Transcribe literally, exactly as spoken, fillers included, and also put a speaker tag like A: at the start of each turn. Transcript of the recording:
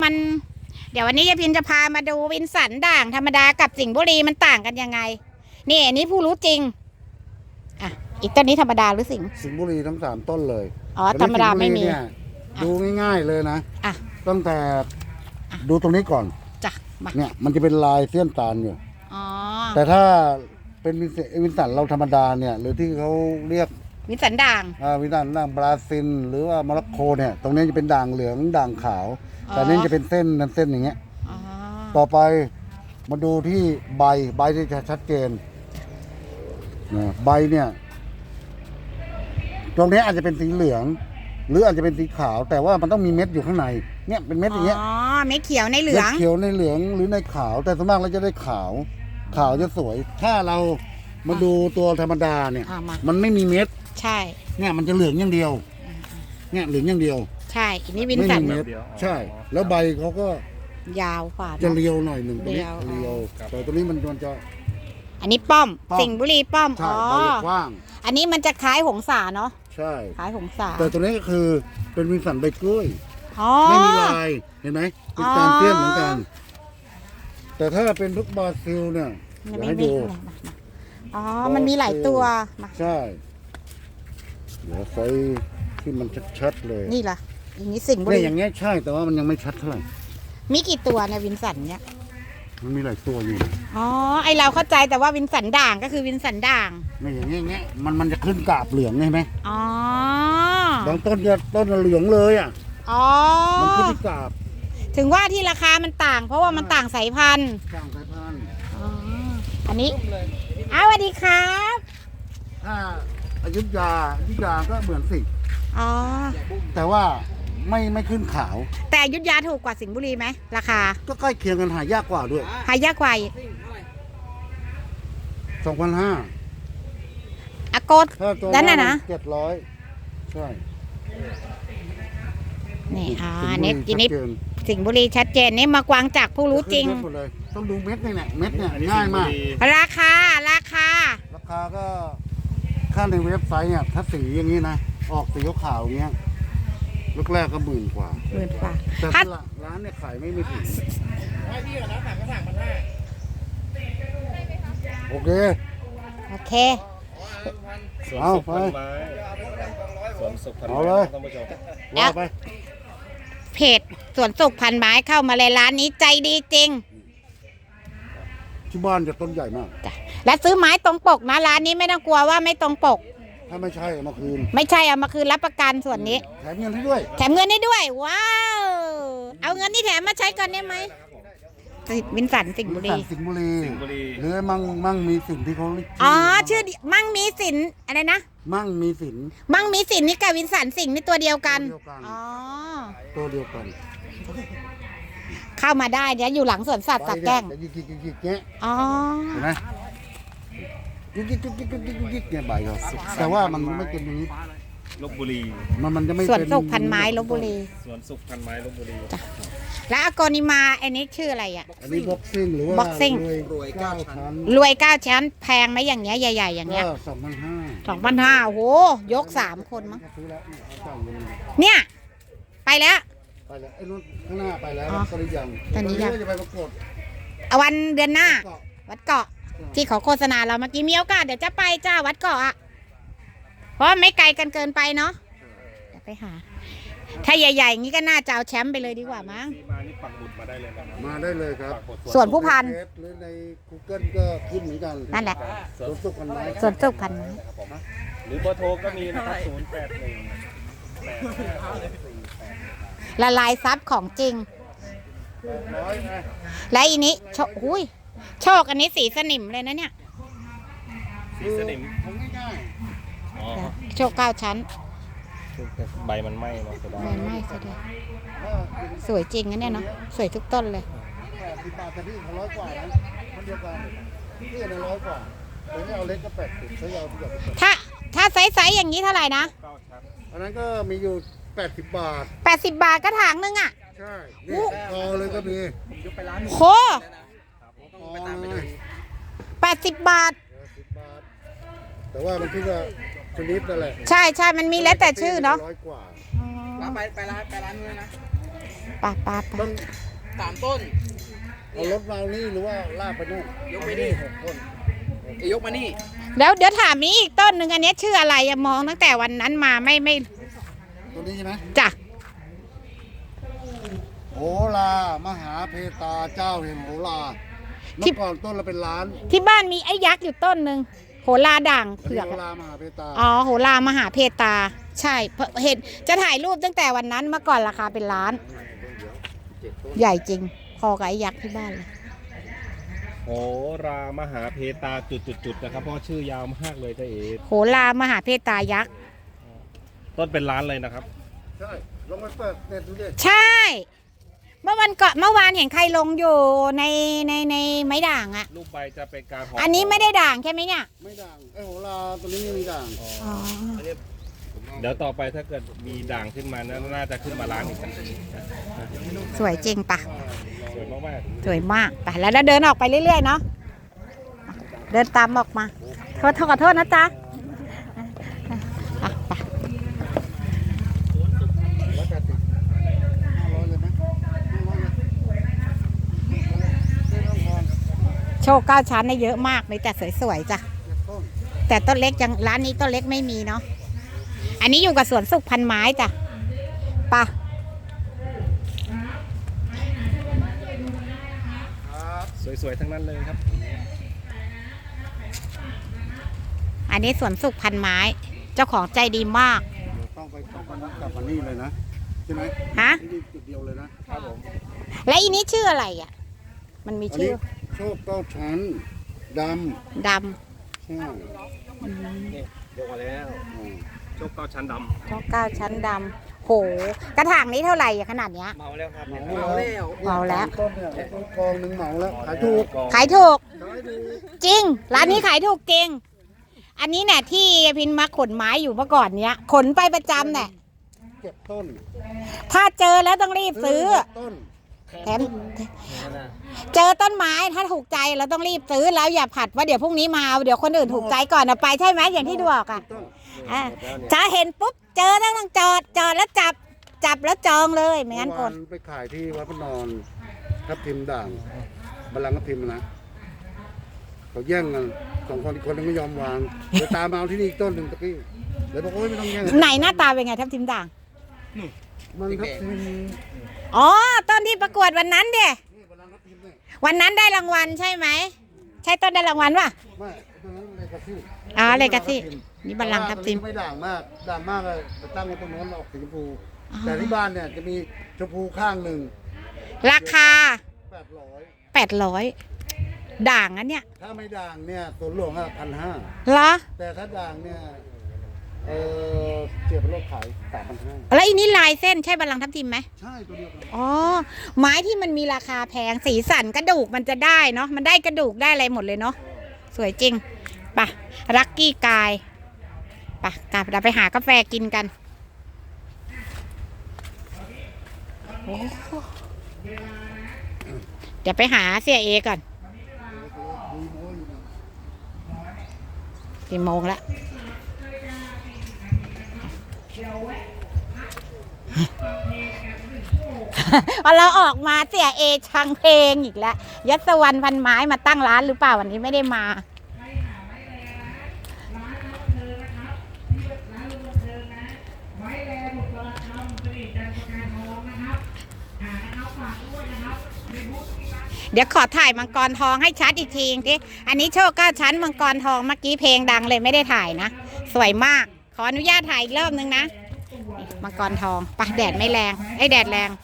A: มัน เดี๋ยววันนี้ยายพินจะพามาดูวินสันด่างธรรมดากับสิงห์บุรีมันต่างกันยังไงนี่อันนี้ผู้รู้จริงอ่ะอีกต้นนี้ธรรมดาหรือสิงห์
B: สิงห์บุรีทั้งสามต้นเลย
A: อ๋อธรรมดาไม่มี
B: ดูง่ายๆเลยนะ
A: อ่ะ
B: ตั้งแต่ดูตรงนี้ก่อน
A: จ้ะ
B: เนี่ยมันจะเป็นลายเสี้ยนตาลอยู่
A: อ๋อ
B: แต่ถ้าเป็นวินสันเราธรรมดาเนี่ยหรือที่เขาเรียก
A: วินสันด่าง
B: อ่าวินสันด่างบราซิลหรือว่าโมร็อกโกเนี่ยตรงนี้จะเป็นด่างเหลืองด่างขาวแต่นี่จะเป็นเส้นนั้นเส้นอย่างเงี้ยต่อไปมาดูที่ใบใบที่จะชัดเจนนะใบเนี่ยตรงนี้อาจจะเป็นสีเหลืองหรืออาจจะเป็นสีขาวแต่ว่ามันต้องมีเม็ดอยู่ข้างในเนี่ยเป็นเม็ดอย่างเงี้ย
A: อ๋อเม็ดเขียวในเหลือง
B: เม็ดเขียวในเหลืองหรือในขาวแต่ส่วนมากเราจะได้ขาวขาวจะสวยถ้าเรามาดูตัวธรรมดาเนี่ยมันไม่มีเม็ด
A: ใช่
B: เนี่ยมันจะเหลืองอย่างเดียวเนี่ยเหลืองอย่างเดียว
A: ใช่อันนี้วินสัน
B: เม็ดใช่แล้วใบเขาก็
A: ยาวกว่า
B: จะเรียวหน่อยหนึ่งตรงนี้เรียวแต่ตัวนี้มันมันจะ
A: อันนี้ป้อมสิงห์บุรีป้อม
B: อ๋อ
A: กว้างอันนี้มันจะคล้ายหงสาเนาะ
B: ใช่
A: คล้ายหงสา
B: แต่ตัวนี้ก็คือเป็นวินสันใบกล้วยไม่มีลายเห็นไหมเป็นการเตี้ยนเหมือนกันแต่ถ้าเป็นพวกบราซิลเนี่ยอยากให้ดู
A: อ๋อมันมีหลายตัว
B: ใช่เดี๋ยวใส่ที่มันชัดๆเลย
A: นี่ล่ะอย่างนี้สิงห์บุรี
B: เนี่ยอย่างเงี้ยใช่แต่ว่ามันยังไม่ชัดเท่าไหร่
A: มีกี่ตัวในวินสันเนี่ย
B: มันมีหลายตัวอยู่
A: อ๋อไอเราเข้าใจแต่ว่าวินสันด่างก็คือวินสันด่าง
B: ไม่อย่างเงี้ยเงี้ยมันมันจะขึ้นกาบเหลืองใช่ไหม
A: อ๋อบ
B: างต้นจะต้นเหลืองเลยอ่ะ
A: อ๋อ
B: มันขึ้นกาบ
A: ถึงว่าที่ราคามันต่างเพราะว่ามันต่างสายพันธุ์
B: ต่างสายพันธุ์
A: อ๋ออันนี้อ้าวสวัสดีครับ
B: ถ้าอยุธยาอยุธยาก็เหมือนสิ
A: อ๋อ
B: แต่ว่าไม่ไม่ขึ้นขาว
A: แต่อยุธยาถูกกว่าสิงห์บุรีไหมราคา
B: ก็ใกล้เคียงกันหายากกว่าด้วย
A: หายากกว่า
B: สองพันห้า
A: อากดนั่นน่ะนะ
B: เจ็ดร้อยใช่
A: นี่อ่าเน็ตจีนิดสิงห์บุรีชัดเจนนี่มากวางจากผู้รู้จริง
B: ต้องดูเม็ดนี่แหละเม็ดเนี่ยง่ายมาก
A: ราคาราคา
B: ราคาก็ค่าในเว็บไซต์เนี่ยถ้าสีอย่างนี้นะออกสีขาวอย่างเงี้ยลูกแรกก็หมื่นกว่า
A: หมื่นกว่า
B: แต่ร้านเนี่ยขายไม่ไม่ถึงให้พี่ก่อนนะสั่งก็สั่งมันได้โอเค
A: โอเค
B: เอาไป
C: สวนสุขพันไม้
B: เอาเลยว่าไป
A: เพจสวนสุขพันไม้เข้ามาเลยร้านนี้ใจดีจริง
B: ที่บ้านจะต้นใหญ่มาก
A: และซื้อไม้ตรงปกนะร้านนี้ไม่ต้องกลัวว่าไม่ตรงปก
B: ถ้าไม่ใช่เอามาคืน
A: ไม่ใช่เอามาคืนรับประกันส่วนนี้
B: แถมเงินให้ด้วย
A: แถมเงินให้ด้วยว้าวเอาเงินที่แถมมาใช้ก่อนได้ไหมวินสันสิงห์บุรี
B: สิงห์บุรีหรือมั่งมั่งมีสินที่เขา
A: อ๋อชื่อมั่งมีสินอะไรนะ
B: มั่งมีสิน
A: มั่งมีสินนี่กับวินสันสิงห์นี่ตัวเดียวกันอ๋อ
B: ตัวเดียวกัน
A: เข้ามาได้เดี๋ยวอยู่หลังสวนสัตว์สักแก้งอ๋อ
B: เห็นไหมกิ๊กกิ๊กกิ๊กกิ๊กกิ๊กกิ๊กเนี่ยใบเขาแต่ว่ามันไม่เป็นอย่างนี้
C: ลพบุรี
B: มันมันจะไม่
A: สวนสุขพันไม้ลพบุรี
C: สวนสุขพันไม้ลพบุรี
A: จ้ะแล้วอากนิมาอันนี้ชื่ออะไรอ่ะ
B: อันนี้บ็อกซิ่งหรือว่า
A: บ็อกซิ่ง
B: รวยเก้าชั้น
A: รวยเก้าชั้นแพงไหมอย่างเงี้ยใหญ่ๆอย่างเงี้ย
B: สองพันห้า
A: สองพันห้าโอ้โหยกสามคนมั้งเนี่ยไปแล้ว
B: ไปแล้วไอ้นู้นข้างหน้าไปแล้วตอนนี้ยัง
A: ตอนนี้ยัง
B: จะไปประกวด
A: วันเดือนหน้าวัดเกาะที่เขาโฆษณาเราเมื่อกี้มีโอกาสเดี๋ยวจะไปจ้าวัดเกาะอ่ะเพราะไม่ไกลกันเกินไปเนาะเดี๋ยวไปหาถ้าใหญ่ๆอย่างนี้ก็น่าจะเอาแชมป์ไปเลยดีกว่ามั้ง
C: มานี่ปักหมุดมาได้เลยนะ
B: มาได้เลยครับ
A: ส่วนผู้พัน
B: หรือใน กูเกิล ก็ขึ้นเหมือนกัน
A: นั่นแหละ
B: สวนสุขพันไม้
A: สวนสุขพันไม้
C: หรือเบอร์โทรก็มีนะครับศูนย์แปดหนึ่ง
A: ละลายซับของจริงและอีนี้โชคหุ้ยโชคอันนี้สีสนิมเลยนะเนี่ย
C: สีสนิม
A: โชคเก้าชั้น
C: ใบมันไหม้เนาะ
A: ใบไหม้สุดเลยสวยจริงนะเนี่ยเนาะสวยทุกต้นเลย
B: สิบบาทแต่พี่ร้อยกว่านะมันเดียวกันพี่ในร้อยกว่าแต่ไม่เอาเล็กก็แปดสิบใช้ยาวทุกอย่าง
A: ถ้าถ้าไซส์ๆอย่างนี้เท่าไหร่นะ
B: อันนั้นก็มีอยู่แปดสิบบาท
A: แปดสิบบาทกระถางนึงอ่ะ
B: ใช่นี่พอเลยก็มี
A: โหแปดสิบบาท
B: แต่ว่ามันคือว่าชนิดนั่นแหละ
A: ใช่ใช่มันมีแล้วแต่ชื่อเนาะ
B: ร้อยกว่า
C: ไปไปร้านไปร้านนู้นนะ
A: ป่าป่าป่า
B: ต้อง
D: สามต้น
B: เอารถมานี่หรือว่าลากไปนู่น
D: ยกไปนี่
B: หกต้น
D: ยกมานี่
A: แล้วเดี๋ยวถามนี้อีกต้นหนึ่งอันนี้ชื่ออะไรอะมองตั้งแต่วันนั้นมาไม่ไม่
B: ตัวนี้ใช่ไหม
A: จ้ะ
B: โหรามหาเพตาเจ้าแห่งโหราเมื่อก่อนต้นละเป็นล้าน
A: ที่บ้านมีไอ้ยักษ์อยู่ต้นหนึ่งโหราด่าง
B: อัน
A: เผื
B: นี้
A: อก
B: โห
A: อะ
B: รามหาเพตา
A: อ๋อโหรามหาเพตา ใช่เพราะเห็นจะถ่ายรูปตั้งแต่วันนั้นเมื่อก่อนราคาเป็นล้าน ใหญ่จริง พอกับไอ้ยักษ์ที่บ้านเลย
C: โหรามหาเพตาจุดๆๆนะครับเพราะชื่อยาวมากเลยจ้าเอ๋
A: โหรามหาเพตายักษ์
C: ต้นเป็นล้านเลยนะครับ
B: ใช่ลองไปเปิดเน็ตดูดิ
A: ใช่ เมื่อวันก่อนเมื่อวานเห็นใครลงอยู่ในในในไม้ด่างอะ
C: รูปใบจะเป็นการห่อ
A: อั
C: อั
A: นนี้ไม่ได้ด่างใช่ไหมเนี่ย
B: ไม่ด่างไอ้โหราตัวนี้ไม่มีด่าง
A: อ๋อ
C: เดี๋ยวต่อไปถ้าเกิดมีด่างขึ้นมานะน่าจะขึ้นมาล้านอีกสักที
A: สวยจริงปะ
C: สวยมาก
A: สวยมากไปแล้วเราเดินออกไปเรื่อยๆเนาะเดินตามออกมาโทษขอโทษนะจ๊ะอ่ะไป
B: แล้วแต่ติดห้าร้อยเลยไหมห้าร้อยเลยเส้นต้องพร
A: โชคเก้าชั้นได้เยอะมากเลยแต่สวยๆจ้ะ
B: เจ็ดต้น
A: แต่ต้นเล็กยังร้านนี้ต้นเล็กไม่มีเนาะอันนี้อยู่กับสวนสุขพันไม้จ้ะไปะ
B: ครับ
C: ๆสวยๆทั้งนั้นเลยครับ
A: อันนี้สวนสุขพันไม้ เจ้าของใจดีมาก
B: เดี๋ยวต้องไปต้องไปนัดกลับมานี่เลยนะใช่ไหม
A: ฮะ
B: ที่นี่จุดเดียวเลยนะครับ
C: ผม
A: และอีนี้ชื่ออะไรอ่ะ มันมี
B: อัน
A: ชื่
B: นี้
A: อ
B: โชคเก้าชั้นด
A: ด
B: ำใช่
A: ำอืม
C: นี่ยกมาแล้ว
B: อืม
C: โชคเก้าชั้นด
A: โชคเก้าชั้นดำโหกระถางนี้เท่าไหร่อะขนาดเนี้ย
C: ำเมาแล้วครับ
B: เหมา
D: เมาแล้ว
A: เหมาแล้ว
B: ต้นเนี่ยต้นกองหนึ่งเหมาแล้วขายถูก
A: ขายถูก
B: ขายถูก
A: จริง ร้านนี้ขายถูกจริง อันนี้เนี่ยที่พินมาขนไม้อยู่เมื่อก่อนเนี้ย ขนไปประจำเนี่ย
B: เก็บต้น
A: ถ้าเจอแล้วต้องรีบซื้อ
B: ต้น
A: แถมเจอต้นไม้ถ้าถูกใจเราต้องรีบซื้อแล้วอย่าผัดว่าเดี๋ยวพรุ่งนี้มาเอาเดี๋ยวคนอื่นถูกใจก่อนเอาไปใช่ไหมอย่างที่ดูออกอ่ะ
B: ต้น
A: อ่ะจะเห็นปุ๊บเจอแล้วต้องจอดจอดแล้วจับจับแล้วจองเลยไม่งั้นกด
B: เมื่อวาไปขายที่วัดพระนอนทับทิมด่างบัลลังก์ทับทิมนะเขาแย่งกันสองคนอีกคนนึงไม่ยอมวางเดี๋ยวตามมาเอาที่นี่อีกต้นหนึ่งตะกี้เลยบอกโอ้ยไม่ต้องแย่ง
A: ไหนหน้าตาเป็นไงทับทิมด่าง
B: มันทับทิม
A: อ๋อต้นที่ประกวดวันนั้นเด้
B: นี่บัลลังก์ทับทิมเนี่ย
A: วันนั้นได้รางวัลใช่ไหมใช่ต้นได้รางวัลป่ะ
B: ไม่ตรงนั้นเลยกระซี่
A: อ๋อเลยกระซี่ นี่บัลลังก์ทับทิม
B: ไม่ด่างมากด่างมากเลยจะตั้งไว้ตรงโน้นออกสีชมพูแต่ที่บ้านเนี่ยจะมีชมพูข้างหนึ่ง
A: ราคา
B: แปดร้อย
A: แปดร้อยด่างอันเนี้ย
B: ถ้าไม่ด่างเนี่ยตัวหลวงอ่ะพันห้า
A: เหรอ
B: แต่ถ้าด่างเนี่ยเออเสียเป็นรถขายสามพันห้า
A: แล้วอีนี้ลายเส้นใช่บัลลังก์ทับทิมไหม
B: ใช่ตัวเดียวกัน
A: อ๋อไม้ที่มันมีราคาแพงสีสันกระดูกมันจะได้เนาะมันได้กระดูกได้อะไรหมดเลยเนาะสวยจริงไปะลักกี้กายไปะกลับเราไปหากาแฟกินกันโอ้โหเดี๋ยวไปหาเสียเอก่อนกี่โมงแล้ว พอเราออกมาเสียเอชังเพลงอีกแล้วยัสวรรณพันไม้มาตั้งร้านหรือเปล่าวันนี้ไม่ได้มาเดี๋ยวขอถ่ายมังกรทองให้ชัดอีกทีทีอันนี้โชคเก้าชั้นมังกรทองเมื่อกี้เพลงดังเลยไม่ได้ถ่ายนะสวยมากขออนุญาตถ่ายอีกรอบนึงนะนี่มังกรทองปะแดดไม่แรงไอ้ยแดดแรง